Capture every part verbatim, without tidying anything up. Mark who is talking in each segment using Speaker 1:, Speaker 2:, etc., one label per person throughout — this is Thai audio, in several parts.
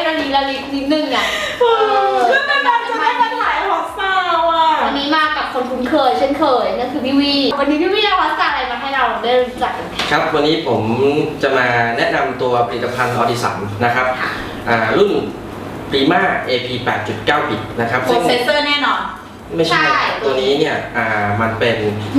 Speaker 1: ละลีละลิกนิดนึงอ่ะ
Speaker 2: ก็ไม่นานจะได้มาถ่ายฮอตซาวอ่ะ
Speaker 1: วันนี้มากับคนคุ้นเคยเช่นเคยนั่นคือพี่วีวันนี้พี่วีเอาฮอตซาอะไรมาให้เราได้รู้จักกัน
Speaker 3: ครับวันนี้ผมจะมาแนะนำตัวผลิตภัณฑ์ออดิสันนะครับรุ่น Prima เอ พี แปดจุดเก้า บิตนะครับ
Speaker 2: โปรเซสเซอร์แน่นอน
Speaker 3: ไม่ใช่ตัวนี้เนี่ยมันเป็น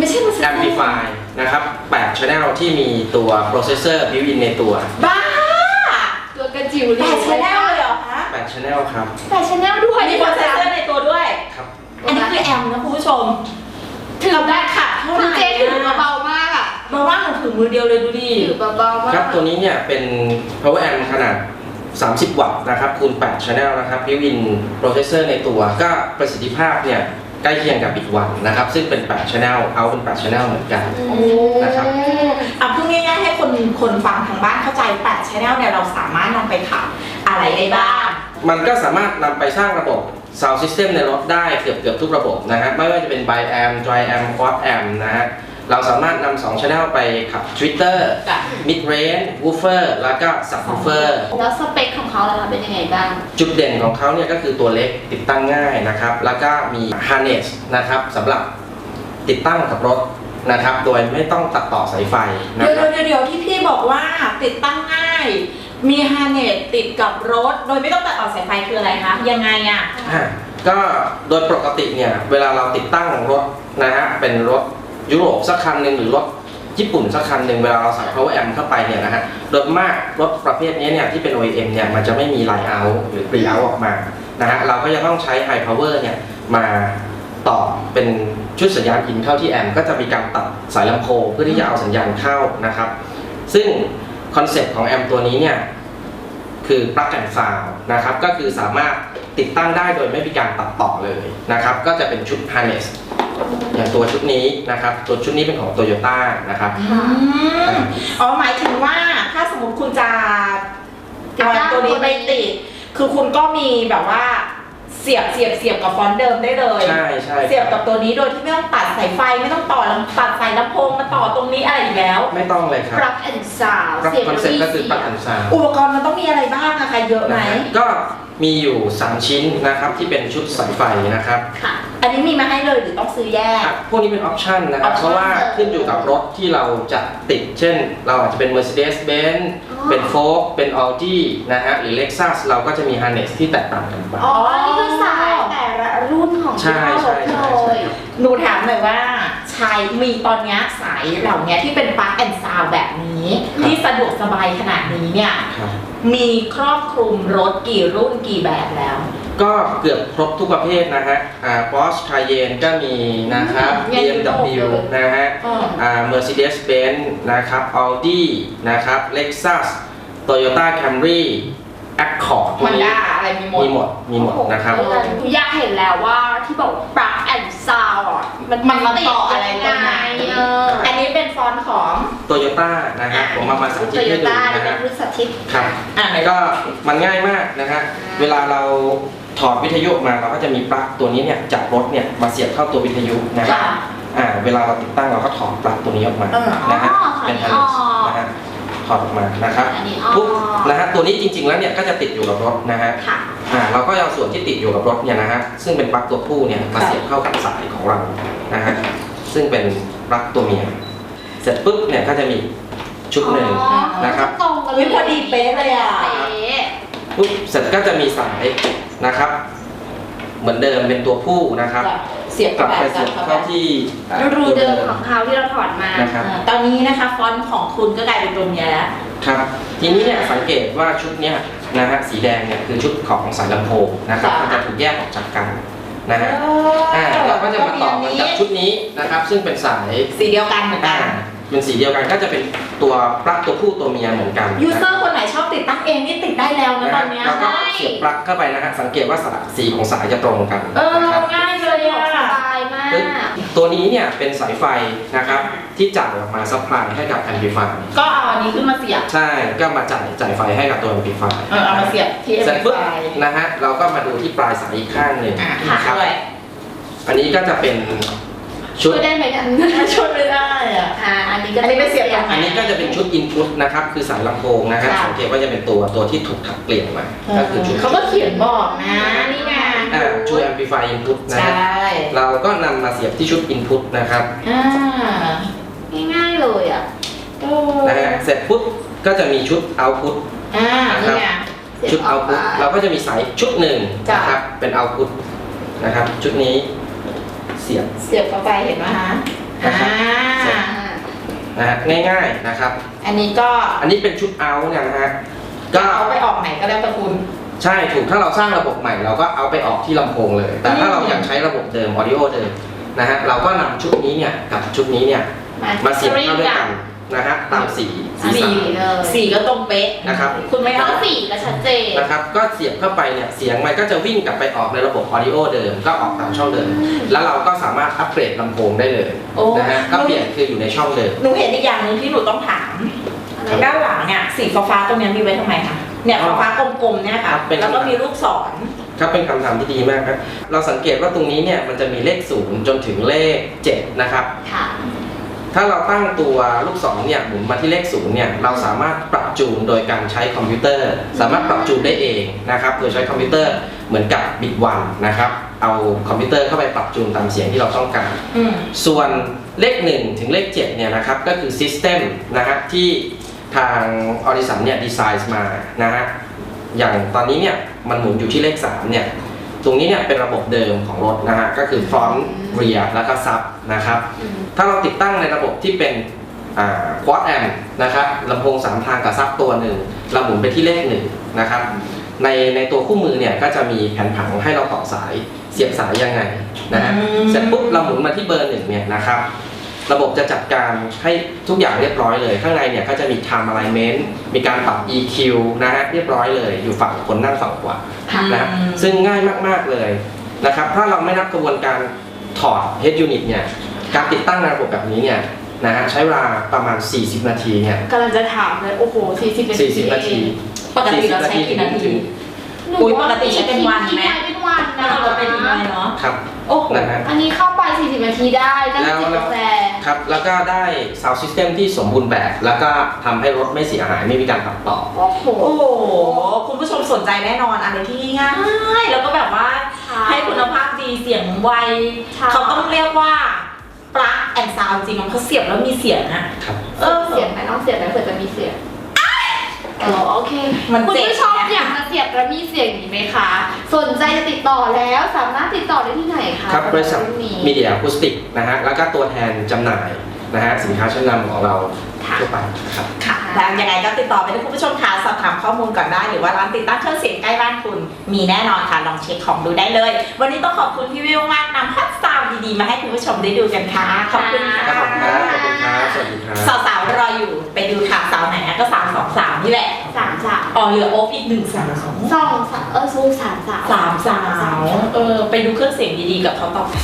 Speaker 3: Amplify นะครับแปด Channel ที่มีตัว Processor built-in ในตัว
Speaker 2: บ้า
Speaker 1: ตัวกระจิ๋ว
Speaker 2: แปด Channel เลยเหรอคะ
Speaker 3: แปด Channel ครับ
Speaker 1: แปด Channel ด้วย
Speaker 2: มี Processor ในตัวด้วย
Speaker 3: ครับ
Speaker 2: อันนี้คือแอมนะคุณผู้ชม
Speaker 1: ถือได้ค่ะเท่าไหร่เจ๊ถือเบามากอ่ะ
Speaker 2: เบามากหนูถือมือเดียวเลยดูดิ
Speaker 1: ถือเบามาก
Speaker 3: ครับตัวนี้เนี่ยเป็น Power Amp ขนาดสามสิบวัตต์นะครับคูณแปด Channel นะครับ built-in Processor ในตัวก็ประสิทธิภาพเนี่ยใกล้เคียงกับบิตวันนะครับซึ่งเป็นแปด Channel เอาเป็นแปด Channel เหมือนกันนะครับ
Speaker 2: อ่ะพูดง่ายๆให้คนคนฟังทางบ้านเข้าใจแปด Channel เนี่ยเราสามารถนำไปขับอะไรได้บ้าง
Speaker 3: มันก็สามารถนำไปสร้างระบบ Sound System ในรถได้เกือบเกือบทุกระบบนะฮะไม่ว่าจะเป็น Bi-Amp Tri-Amp Quad-Amp นะฮะเราสามารถนำสอง Channel ไปขับ Tweeter Mid Range Woofer แล้วก็ Subwoofer
Speaker 1: แล้วสเปคของเขาล่ะเป็นยังไงบ้าง
Speaker 3: จุดเด่นของเขาเนี่ยก็คือตัวเล็กติดตั้งง่ายนะครับแล้วก็มี Harness นะครับสำหรับติดตั้งกับรถนะครับโดยไม่ต้องตัดต่อสายไฟนะ
Speaker 2: ค
Speaker 3: รับ
Speaker 2: เดี๋ยวเดี๋ยวที่พี่บอกว่าติดตั้งง่ายมี Harness ติดกับรถโดยไม่ต้องตัดต่อสายไฟคืออะไรคะยังไงอ่ะ
Speaker 3: ก็โดยปกติเนี่ยเวลาเราติดตั้งรถนะฮะเป็นรถยุโรปสักคันหนึ่งหรือรถญี่ปุ่นสักคันหนึ่งเวลาเราใส่ Power Amp เข้าไปเนี่ยนะฮะโดยมากรถประเภทนี้เนี่ยที่เป็น โอ อี เอ็ม เนี่ยมันจะไม่มี Line Out หรือ Pre Out ออกมานะฮะเราก็จะต้องใช้ High Power เนี่ยมาต่อเป็นชุดสัญญาณอินเข้าที่แอมป์ก็จะมีการตัดสายลำโพงเพื่อที่จะเอาสัญญาณเข้านะครับซึ่งคอนเซ็ปต์ของแอมป์ตัวนี้เนี่ยคือ Plug and Sound นะครับก็คือสามารถติดตั้งได้โดยไม่มีการตัดต่อเลยนะครับก็จะเป็นชุด Harnessอย่างตัวชุดนี้นะครับตัวชุดนี้เป็นของ Toyota นะครับ
Speaker 2: อ๋อหมายถึงว่าถ้าสมมติคุณจะเอาตัวนี้ไปติดคือคุณก็มีแบบว่าเสียบเสียบเสียบกับฟอนต์เดิมได้เลย
Speaker 3: ใช่ใช่
Speaker 2: เสียบกับตัวนี้โดยที่ไม่ต้องตัดสายไฟไม่ต้องต่อตัดสายลำโพงมาต่อตรงนี้อะไรอีกแล้ว
Speaker 3: ไม่ต้องเลยครับ
Speaker 1: Plug and Sound
Speaker 3: เสียบคอนเซ็ปต์ก็คือ Plug and Sound
Speaker 2: อุปกรณ์มันต้องมีอะไรบ้างอะคะเยอะไหม
Speaker 3: ก็มีอยู่สามชิ้นนะครับที่เป็นชุดสายไฟนะครับ
Speaker 2: ค่ะอันนี้มีมาให้เลยหรือต้องซื้อแยก
Speaker 3: พวกนี้เป็นออปชั่นนะครับเพราะว่าขึ้นอยู่กับรถที่เราจะติดเช่นเราอาจจะเป็น Mercedes-Benz เป็น Ford เป็น Audi นะฮะหรือ Lexus เราก็จะมี Harness ที่แตกต่างกันไป
Speaker 1: อ๋อนี่คือสายแต่ละรุ่นของ
Speaker 3: ใช่ใช่ใช่
Speaker 2: หนูถามหน่อยว่าชายมีตอนนี้สายเหล่านี้ที่เป็น Plug and Sound แบบนี้ที่สะดวกสบายขนาดนี้เนี่ยมีครอบคลุมรถกี่รุ่นกี่แบบแล้ว
Speaker 3: ก็เกือบครบทุกประเภทนะฮะอ่า Porsche Cayenne ก็มีนะครับ บี เอ็ม ดับเบิลยู นะฮะอ่า Mercedes-Benz นะครับ Audi นะครับ Lexus Toyota Camry Accord
Speaker 2: พวกนี้อะไรมีหมด
Speaker 3: มีหมดมีหมดนะครับ
Speaker 1: อยากเห็นแล้วว่าที่บอก Plug and Sound อ่ะ
Speaker 2: มันมันต่ออะไรกันไงอันนี้เป็นฟอนต์ของ
Speaker 3: Toyota นะฮะผมมามาสาธิตให้ดูนะฮะครับก็มันง่ายมากนะฮะเวลาเราถอดวิทยุมาเราก็จะมีปลั๊กตัวนี้เนี่ยจากรถเนี่ยมาเสียบเข้าตัววิทยุนะครับอ่าเวลาเราติดตั้งเราก็ถอดปลั๊กตัวนี้ออกมานะฮะเป็นทันนะฮะถอดออกมานะครับปุ๊บนะฮะตัวนี้จริงๆแล้วเนี่ยก็จะติดอยู่กับรถนะฮะอ่าเราก็เอาส่วนที่ติดอยู่กับรถเนี่ยนะฮะซึ่งเป็นปลั๊กตัวผู้เนี่ยมาเสียบเข้ากับสายของเรานะฮะซึ่งเป็นปลั๊กตัวเมียเสร็จปุ๊บเนี่ยก็จะมีชุดหนึ่งนะครับ
Speaker 2: วิพอดีเป๊ะเลยอ่ะ
Speaker 3: ปุ๊บเสร็จก็จะมีสายนะครับเหมือนเดิมเป็นตัวผู้นะครับ
Speaker 2: เสียบ
Speaker 3: กลับไปเสียบเข้าที่
Speaker 1: รูเดิมของเขาที่เราถอดมา
Speaker 2: ตอนนี้นะคะฟอนต์ของคุณก็กลายเป็นตัวเมียแล้ว
Speaker 3: ครับทีนี้เนี่ยสังเกตว่าชุดเนี้ยนะฮะสีแดงเนี่ยคือชุดของสายลำโพงนะครับมันจะถูกแยกออกจากกันนะฮะอ่าเราก็จะมาต่อกันกับชุดนี้นะครับซึ่งเป็นสาย
Speaker 2: สีเดียวกันเหมือนกัน
Speaker 3: เป็นสีเดียวกันก็จะเป็นตัวปลั๊กตัวผู้ตัวเมียเหมือนกัน
Speaker 2: ยูเซอร์คนไหนชอบติดตั้งเองนี่ติดได้แล้วนะตอนนี้
Speaker 3: เราก็เสียบปลั๊กเข้าไปนะฮะสังเกตว่าสีของสายจะตรงกัน
Speaker 2: เออง่ายเลยอ่ะ
Speaker 1: สบายมาก
Speaker 3: ตัวนี้เนี่ยเป็นสายไฟนะครับที่จ่ายออกมาซัพพลายให้กับแอมพลิฟาย
Speaker 2: ก็เอาอันนี้ขึ้นมาเสียบ
Speaker 3: ใช่ก็มาจ่ายจ่ายไฟให้กับตัวแอมพลิฟาย
Speaker 2: เออเอามาเสียบที่แอมพลิฟาย
Speaker 3: นะฮะเราก็มาดูที่ปลายสายอีกข้างหนึ่ง
Speaker 2: นะครับ
Speaker 3: อันนี้ก็จะเป็นชุ
Speaker 1: ช่
Speaker 3: ด
Speaker 1: วยได้ไหมเนี่ย
Speaker 2: ช่วยไม่ได้อ่ะ
Speaker 1: อ่าอันนี้ก็
Speaker 2: อันนี้ไม่เสียบตรงไห
Speaker 3: อันนี้ก็จะเป็นชุด input นะครับคือสายลำโพงนะฮะ
Speaker 2: ค่ะ
Speaker 3: สังเกตว่าจะเป็นตัวตัวที่ถูกถักเปลี่ยนมาก็คือชุด
Speaker 2: เขาก็เขียนบอกนะนี่ไง
Speaker 3: อ่าชุด amplify input นะ
Speaker 2: ใช่
Speaker 3: ฮะเราก็นำมาเสียบที่ชุด input นะครับ
Speaker 2: อ่า
Speaker 1: ง่ายๆเลยอ่ะ
Speaker 2: โอ้
Speaker 3: นะฮะเสร็จปุ๊บก็จะมีชุด output
Speaker 2: อ่านี่ไง
Speaker 3: ชุด output เราก็จะมีสายชุดหนึ่ง
Speaker 2: จ้ะ
Speaker 3: นะครับเป็น output นะครับชุดนี้เสียบ
Speaker 2: เสียบเข้าไปเห็นไหมฮะ
Speaker 3: นะ
Speaker 2: อ่า
Speaker 3: ครับ นะฮะง่ายๆนะครับ
Speaker 2: อันนี้ก็
Speaker 3: อันนี้เป็นชุด out เนี่ยนะฮะ
Speaker 2: ก็
Speaker 3: ก็
Speaker 2: เอาไปออกไหนก็แล้วแต่คุณ
Speaker 3: ใช่ถูกถ้าเราสร้างระบบใหม่เราก็เอาไปออกที่ลำโพงเลย แต่ถ้าเรายังใช้ระบบเดิม audio เดิมนะฮะเราก็นำชุดนี้เนี่ยกับชุดนี้เนี่ยมาเสียบเข้าด้วยกันนะฮะตามสีสี
Speaker 2: สี
Speaker 3: สัน
Speaker 1: เลย
Speaker 2: สีก็ตรงเป๊ะ
Speaker 3: นะครับ
Speaker 2: คุณไม่
Speaker 1: แล้ว
Speaker 2: เอา
Speaker 1: ก็สีก็ชัดเจน
Speaker 3: นะครับก็เสียบเข้าไปเนี่ยเสียงมันก็จะวิ่งกลับไปออกในระบบ audio เดิมก็ออกตามช่องเดิม แล้วเราก็สามารถอัปเกรดลำโพงได้เลย
Speaker 2: โอ้
Speaker 3: นะฮะก็เปลี่ยนคืออยู่ในช่องเดิม
Speaker 2: หนูเห็นอีกอย่างหนึ่งที่หนูต้องถาม ด้านหลังเนี่ยสีฟ้าๆตรงเนี้ยมีไว้ทำไมคะเนี่ยฟ้าๆกลมๆเนี่ยค่ะแล้วก็มีลูกศร
Speaker 3: ครับเป็นคำถามที่ดีมากครับเราสังเกตว่าตรงนี้เนี่ยมันจะมีเลขศูนย์จนถึงเลขเจ็ดนะครับ
Speaker 1: ค่ะ
Speaker 3: ถ้าเราตั้งตัวลูกศรเนี่ยหมุนมาที่เลขศูนย์เนี่ยเราสามารถปรับจูนโดยการใช้คอมพิวเตอร์ สามารถปรับจูนได้เองนะครับโดยใช้คอมพิวเตอร์เหมือนกับบิตวันนะครับเอาคอมพิวเตอร์เข้าไปปรับจูนตามเสียงที่เราต้องการ
Speaker 2: อืม
Speaker 3: ส่วนเลขหนึ่งถึงเลขเจ็ดเนี่ยนะครับก็คือ System นะฮะที่ทางออริสันเนี่ยดีไซน์มานะฮะอย่างตอนนี้เนี่ยมันหมุนอยู่ที่เลขสามเนี่ยตรงนี้เนี่ยเป็นระบบเดิมของรถนะฮะก็คือ front rear แล้วก็ sub นะครับถ้าเราติดตั้งในระบบที่เป็นอ่า quad amp นะครับลำโพงสามทางกับซับตัวหนึ่งเราหมุนไปที่เลขหนึ่งนะครับในในตัวคู่มือเนี่ยก็จะมีแผนผังให้เราต่อสายเสียบสายยังไงนะฮะ
Speaker 2: อืม
Speaker 3: เสร็จปุ๊บเราหมุนมาที่เบอร์หนึ่งเนี่ยนะครับระบบจะจัดการให้ทุกอย่างเรียบร้อยเลย ข้างในเนี่ยก็จะมี time alignment มีการปรับ อี คิว นะฮะเรียบร้อยเลยอยู่ฝั่งคนนั่งฝั่งขวานะฮะซึ่งง่ายมากๆเลยนะครับถ้าเราไม่นับกระบวนการถอด head unit เนี่ยการติดตั้งในระบบแบบนี้เนี่ยนะฮะใช้เวลาประมาณ สี่สิบ นาทีเนี่ย
Speaker 1: กำลังจะถามเลยโอ้โหสี่สิบนาที
Speaker 3: สี่สิบ นาที
Speaker 2: ปกติเราใช้กี่นาที
Speaker 1: หนู
Speaker 2: อุ๊ยปกติใช้เป็นวันไหม
Speaker 1: เป็นวัน
Speaker 2: ถ้า
Speaker 1: นะ
Speaker 2: เราเป็นยังไงเนาะ
Speaker 3: ครับ
Speaker 2: โอ้โห
Speaker 3: นะฮะ
Speaker 1: อันนี้เข้าไปสี่สิบนาทีได้นั่ง
Speaker 3: แล้ว
Speaker 1: จิบ
Speaker 3: แล้
Speaker 1: กาว แฟ
Speaker 3: ครับแล้วก็ได้ sound system ที่สมบูรณ์แบบ แล้วก็ทำให้รถไม่เสียหายไม่มีการตัดต่อ
Speaker 1: โอ้โห
Speaker 2: โอ้โหคุณผู้ชมสนใจแน่นอนอะไรที่ง่ายแล้วก็แบบว่าให้คุณภาพดีเสียงไว
Speaker 1: ใช่
Speaker 2: เขาต้องเรียกว่าปลั๊กแอนด์ซาวจริงๆเขาเสียบแล้วมีเสียงอะ
Speaker 3: ครับ
Speaker 2: เออ
Speaker 1: เสียงไหมต้องเสียงไหมเผื่อจะมีเสียงเออโอเค
Speaker 2: มัน
Speaker 1: คุณ
Speaker 2: เจ็บ
Speaker 1: ผู้ชม
Speaker 2: นะ
Speaker 1: อยากจะเสียบแล้วมีเสียงนี้ไหมคะ สนใจจะติดต่อแล้วสามารถติดต่อได้ที่ไหนคะ
Speaker 3: ครับบริษัท
Speaker 1: เองนี้
Speaker 3: มีเดียอะคูสติกนะฮะแล้วก็ตัวแทนจำหน่ายนะฮะสินค้าชั้นนำของเรา
Speaker 1: ค่ะ
Speaker 3: ทั่วไปครับ
Speaker 2: ค่ะแล้วยังไงก็ติดต่อไปที่คุณผู้ชมค่ะสอบถามข้อมูลก่อนได้หรือว่าร้านติดตั้งเครื่องเสียงใกล้บ้านคุณมีแน่นอนค่ะลองเช็คของดูได้เลย วันนี้ต้องขอบคุณพี่วิวมากนำฮอตซาวด์ดีๆมาให้คุณผู้ชมได้ดูกันค่ะขอบคุณค่ะ
Speaker 3: ครับผมครับขอบคุณครับสวัสดีครับ
Speaker 2: สาวๆรออยู่ไปดูค่ะสาวไหนนะก็สามสองสามนี่แหละ
Speaker 1: สามสาม
Speaker 2: อ๋อเหลือโอ๊คอีกหนึ่งสาว
Speaker 1: สองสามเออสู้สามสาม
Speaker 2: สามสาวเออไปดูเครื่องเสียงดีๆกับเขาต่อ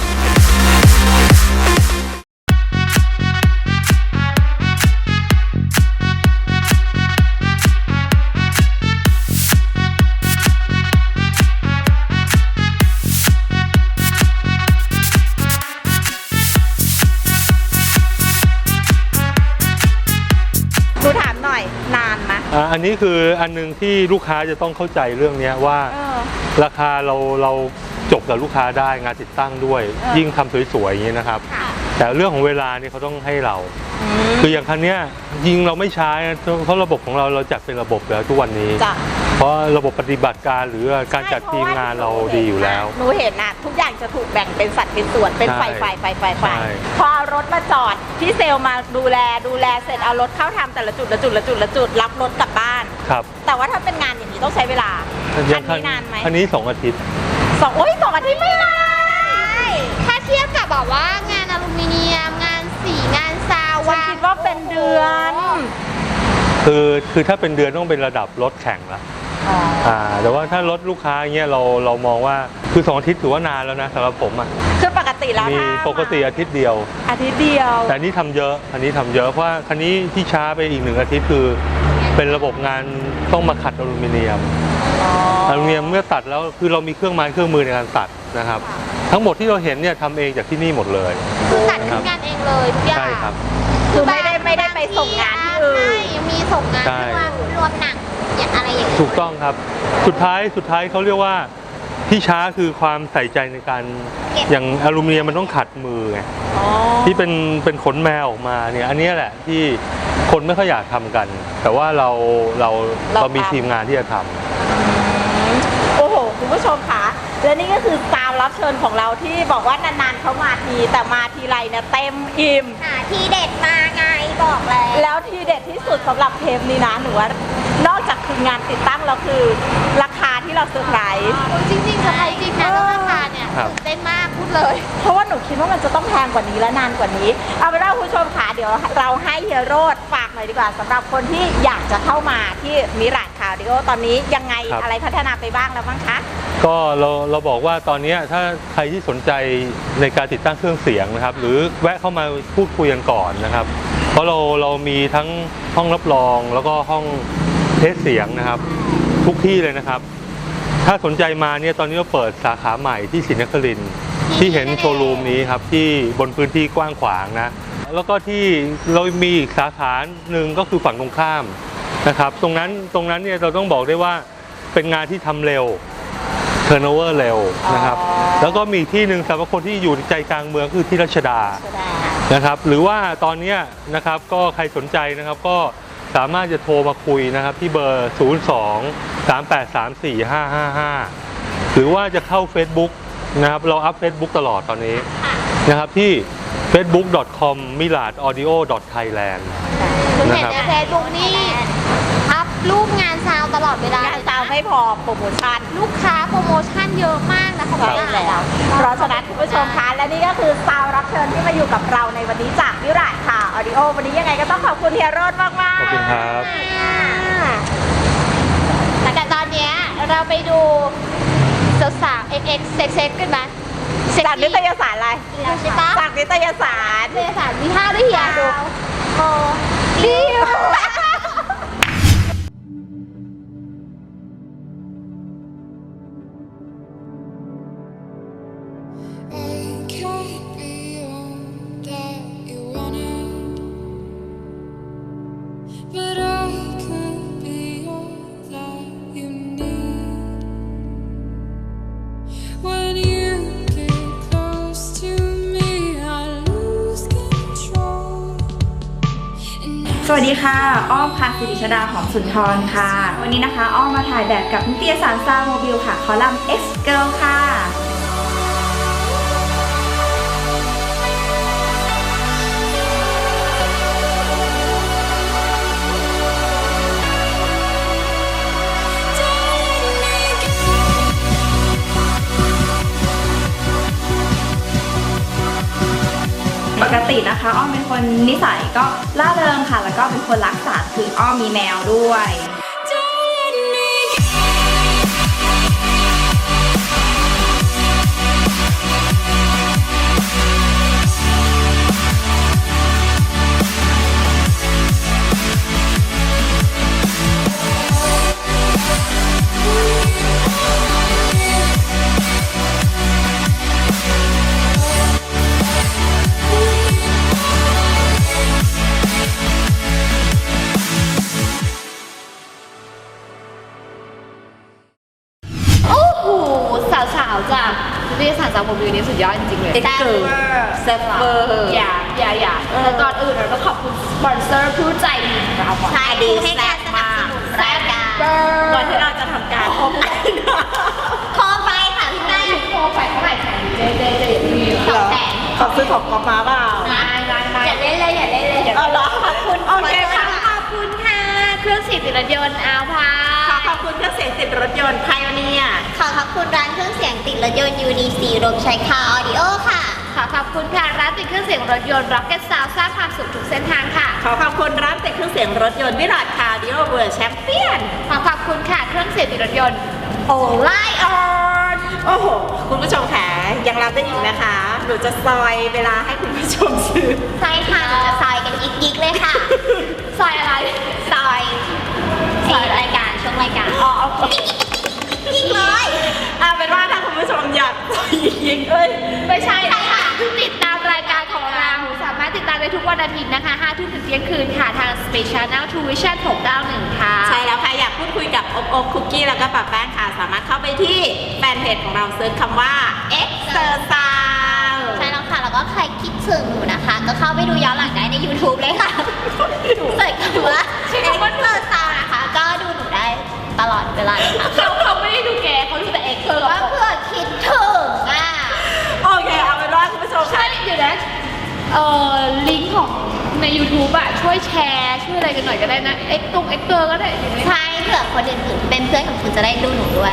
Speaker 2: หนูถามหน่อยนานไหม
Speaker 4: อ่าอันนี้คืออันนึงที่ลูกค้าจะต้องเข้าใจเรื่องนี้ว่า
Speaker 2: เออ
Speaker 4: ราคาเราเราจบกับลูกค้าได้งานติดตั้งด้วย
Speaker 2: เออ
Speaker 4: ยิ่งทำสวยๆอย่างนี้นะครับ
Speaker 2: ค่ะ
Speaker 4: แต่เรื่องของเวลานี่เขาต้องให้เรา
Speaker 2: อืม
Speaker 4: คืออย่างคันเนี้ยยิงเราไม่ใช้นะเพราะระบบของเราเราจัดเป็นระบบแล้วทุกวันนี้
Speaker 2: จ้ะ
Speaker 4: เพราะระบบปฏิบัติการหรือการจัดทีมงานเราดีอยู่แล้ว
Speaker 5: หนูเห็นนะทุกอย่างจะถูกแบ่งเป็นสัดเป็นส่วนเป็นไฟ
Speaker 4: ใช่
Speaker 5: ไฟไฟไฟไฟ
Speaker 4: ใช่
Speaker 5: พอเอารถมาจอดพี่เซลล์มาดูแลดูแลเสร็จเอารถเข้าทำแต่ละจุดละจุดละจุดละจุดรับรถกลับบ้าน
Speaker 4: ครับ
Speaker 5: แต่ว่าถ้าเป็นงานอย่างนี้ต้องใช้เวลา
Speaker 4: อย่าง
Speaker 5: อันนี้นานไหม
Speaker 4: อันนี้สองอาทิตย์
Speaker 5: สองโอ้ยสองอาทิตย์ไม่นาน
Speaker 6: ถ้าเทียบกับแบบว่างานอลูมิเนียม งานสีงานซาว
Speaker 5: ฉันคิดว่าเป็นเดือน
Speaker 4: คือคือถ้าเป็นเดือนต้องเป็นระดับรถแข่งละอ่าแต่ว่าถ้ารถลูกค้าเงี้ยเราเรามองว่าคือสองอาทิตย์ถือว่านานแล้วนะสำหรับผมอ่ะ
Speaker 5: คือปกติแล้ว
Speaker 4: มี
Speaker 5: ถ้า
Speaker 4: ปกติอาทิตย์เดียว
Speaker 5: อาทิตย์เดียว
Speaker 4: แต่อันนี้ทำเยอะอันนี้ทำเยอะเพราะว่าคันนี้ที่ช้าไปอีกหนึ่งอาทิตย์คือ เป็นระบบงานต้องมาขัดอลูมิเนียมอลูมิเนียมเมื่อตัดแล้วคือเรามีเครื่องไม้เครื่องมือในการตัดนะครับทั้งหมดที่เราเห็นเนี่ยทำเองจากที่นี่หมดเลย
Speaker 6: คือจัดขึ้นงานเองเลยทุกอย่าง
Speaker 4: ใช่ครับ
Speaker 5: คือไม่ได้ไม่ได้ไปส่งงานที่อื่น
Speaker 6: ใช่ยังมีส่งงาน
Speaker 4: ใช่
Speaker 6: ที่ว่ารวมหนังอย่างอะไรอย่างนี้
Speaker 4: ถูกต้องครับ สุดท้ายสุดท้ายเขาเรียกว่าที่ช้าคือความใส่ใจในการอย่างอลูมิเนียมมันต้องขัดมือไงที่เป็นเป็นขนแมวออกมาเนี่ยอันนี้แหละที่คนไม่ค่อยอยากทำกัน แต่ว่าเราเราเรามีทีมงานที่จะทำ
Speaker 5: โอ้โหคุณผู้ชมคะและนี่ก็คือตามรับเชิญของเราที่บอกว่านานๆเขามาทีแต่มาทีไรเนี่ยเต็มอิ่ม
Speaker 6: หาที่เด็ดมาไงบอกแล้ว
Speaker 5: แล้วที่เด็ดที่สุดสำหรับเทปนี้นะหนูว่านอกจากคืองานติดตั้งแล้วคือราคาที่เราเซอร์ไพรส์
Speaker 6: จริงๆเซอร์ไพรส์จริงนะเรื่องราคาเนี่ย
Speaker 4: ครับ
Speaker 6: ตื่นเต้นมากพูดเลย
Speaker 5: เพราะว่าหนูคิดว่ามันจะต้องแพงกว่านี้และนานกว่านี้ เอาเป็นว่าคุณผู้ชมค่ะเดี๋ยวเราให้เฮียโรดฝากหน่อยดีกว่าสำหรับคนที่อยากจะเข้ามาที่มิราดคาร์ดิโอตอนนี้ยังไง
Speaker 4: ครับ
Speaker 5: อะไรพัฒนาไปบ้างแล้วบ้างคะ
Speaker 4: ก็เราเราบอกว่าตอนนี้ถ้าใครที่สนใจในการติดตั้งเครื่องเสียงนะครับ หรือแวะเข้ามาพูดคุยกันก่อนนะครับ เพราะเราเรามีทั้งห้องรับรองแล้วก็ห้องเทสเสียงนะครับ ทุกที่เลยนะครับ ถ้าสนใจมาเนี่ยตอนนี้เราเปิดสาขาใหม่ที่ศรีนครินทร์ที่เห็นโชว์รูมนี้ครับที่บนพื้นที่กว้างขวางนะแล้วก็ที่เรามีอีกสาขาหนึ่งก็คือฝั่งตรงข้ามนะครับ ตรงนั้นตรงนั้นเนี่ยเราต้องบอกได้ว่าเป็นงานที่ทำเร็วเทอร์โนเวอร์เร็วนะครับ
Speaker 5: อ๋อ
Speaker 4: แล้วก็มีที่หนึ่งสำหรับคนที่อยู่ใจกลางเมืองคือที่รัชดานะครับ หรือว่าตอนนี้นะครับก็ใครสนใจนะครับก็สามารถจะโทรมาคุยนะครับที่เบอร์ ศูนย์ สอง สาม แปด สาม สี่ ห้า ห้า ห้า หรือว่าจะเข้า Facebook นะครับเราอัพ Facebook ตลอดตอนนี้นะครับที่ เฟซบุ๊ก ดอท คอม มิลาด ออดิโอ ดอท ไทยแลนด์
Speaker 6: คือ
Speaker 4: นะ
Speaker 6: เห็น
Speaker 4: ครับ
Speaker 6: ในเฟซบุ๊กนี่อัพรูปงานซาวตลอดเวลาง
Speaker 5: านซาวไม่พอโปรโมชั่น
Speaker 6: ลูกค้าโปรโมชั่นเยอะมากนะคะ
Speaker 5: ใช่แล้วเพราะฉะนั้นคุณผู้ชมคะและนี่ก็คือซาวรับเชิญที่มาอยู่กับเราในวันนี้จากวิราชค่ะออดิโอวันนี้ยังไงก็ต้องขอบคุณเฮียโรจน์มากมาก
Speaker 4: ขอบคุณครับ
Speaker 6: แต่ตอนเนี้ยเราไปดูสาวๆ เอ็กซ์ เอ็กซ์ เซ็กซ์กันไหม
Speaker 5: จากนิตยสารอะไร
Speaker 6: ใช่ปะ
Speaker 5: จากนิตยสาร
Speaker 6: นิตยสารมีท่าด้วยเฮียดูโอ้ดีอ่ะ
Speaker 7: I can't be all that you wanted, but I could be all that you need. When you get close to me, I lose control. And
Speaker 8: สวัสดีค่ะ อ้อมค่ะสิริชดาหอมสุนทรค่ะ วันนี้นะคะอ้อมมาถ่ายแบบกับนิตยสารซาวโมบิลค่ะ คอลัมน์ X Girl ค่ะ ปกตินะคะอ้อมเป็นคนนิสัยก็ล่าเริงค่ะ แล้วก็เป็นคนรักสัตว์คืออ้อมมีแมวด้วย
Speaker 7: don't let me
Speaker 1: โอ้โหสาวๆจากนิตยสารจากโมบิลนี้สุดยอดจริงๆเลย
Speaker 5: เอ็กซ์เกิร์ลเซฟเวอร์
Speaker 1: อย่าอย่าอย่าแต่ก่อนอื่นเราต้องขอบคุณสปอนเซอร์ผู้ใจดีของเราก่อน
Speaker 6: ใช่ดีให้การสนับสนุนรายการ
Speaker 5: ก่อนที่เราจะทำการพบกัน
Speaker 6: โทรไปค่ะพี่แม่
Speaker 1: โทรไปเท่าไหร่แสนเจ๊เจ๊เจ๊อย่าลืม
Speaker 6: สองแสน
Speaker 5: ขอซื้อของกอล์ฟมาเปล่า
Speaker 1: ไม่ไม่ไม่
Speaker 6: อย่าเล่นเลยอย่าเล่นเลยอย่า
Speaker 5: เอาเหรอขอบคุณโอเคค่ะ
Speaker 1: ขอบคุณค่ะ เครื่องสีติดรถยนต์เอาพา
Speaker 5: ขอขอบคุณเครื่องเสียงติดรถยนต์ไพโอเนีย
Speaker 6: ขอขอบคุณร้านเครื่องเสียงติดรถยนต์ยูนีซีรวมใช้คาออดิโอค่ะ
Speaker 1: ขอขอบคุณค่ะร้านติดเครื่องเสียงรถยนต์ Rocket Sound สร้างความสุขทุกเส้นทางค่ะ
Speaker 5: ขอขอบคุณร้านติดเครื่องเสียงรถยนต์วิราชคาร์ดิโอเวอร์แชมเปี้ยน
Speaker 1: ขอขอบคุณค่ะเครื่องเสียงติดรถยนต์
Speaker 5: โอไลออนโอ้โห คุณผู้ชมค่ะยังรับได้อีกนะคะ หนูจะซอยเวลาให้คุณผู้ชมซื้อ
Speaker 6: ใช่ค่ะหนูจะซอยกันยิกๆเลยค่ะ
Speaker 1: ซอยอะไร
Speaker 6: ซอยซอยรายการช่วงรายการอ๋อโอเคยิกเลย
Speaker 5: เอาเป็นว่าถ้าคุณผู้ชมอยากซอยยิกิ๊กเอ้ย
Speaker 1: ไม่ใช่ค่ะติดตามรายการของเราสามารถติดตามได้ทุกวันอาทิตย์นะคะห้าทุ่มถึงเที่ยงคืนค่ะทาง Space Channel True Vision หกเก้าหนึ่งค่ะ
Speaker 5: ใช่แล้วค่ะ อยากพูดคุยกับอบอบคุกกี้แล้วก็ป้าแป้งค่ะ สามารถเข้าไปที่แฟนเพจของเราเซิร์ชคำว่า Exercise
Speaker 6: ใช่แล้วค่ะ แล้วก็ใครคิดถึงหนูนะคะ ก็เข้าไปดูย้อนหลังได้ใน YouTube เลยค่ะเสิร์ชคำว่า Exercise นะคะ ก็ดูหนูได้ตลอดเวลาเลยค่ะ
Speaker 1: เขาเขาไม่ได้ดูแกเขาดูแต่เอ็กซ์
Speaker 6: ถือว่าเพื่อคิดถึงอ่ะ
Speaker 5: โอเค เอาเป็นว่าคุณผู้ชม
Speaker 1: ใช่
Speaker 5: ค่ะ
Speaker 1: เดี๋ยวนะเอ่อลิงก์ของใน YouTube อะช่วยแชร์ช่วยอะไรกันหน่อยก็ได้นะเอ็กซ์ตรงเอ็กเตอร์ก็ได้อยู่ใน
Speaker 6: ใช่เผื่อคนอื่นๆเป็นเพื่อนของคุณจะได้ดูหนูด้วย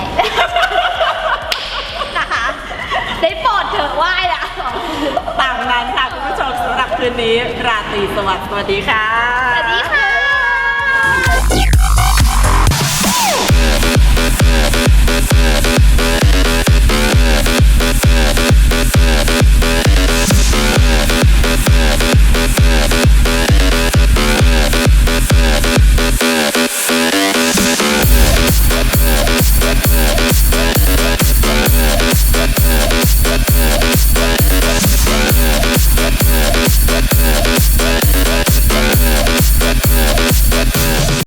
Speaker 1: นะคะ ได้โปรดเถอะไหว้ละ
Speaker 5: ตามนั้นค่ะคุณผู้ชมสำหรับคืนนี้ราตรีสวัสดิ์สวัสดีค่ะ
Speaker 1: สวัสดีค่ะ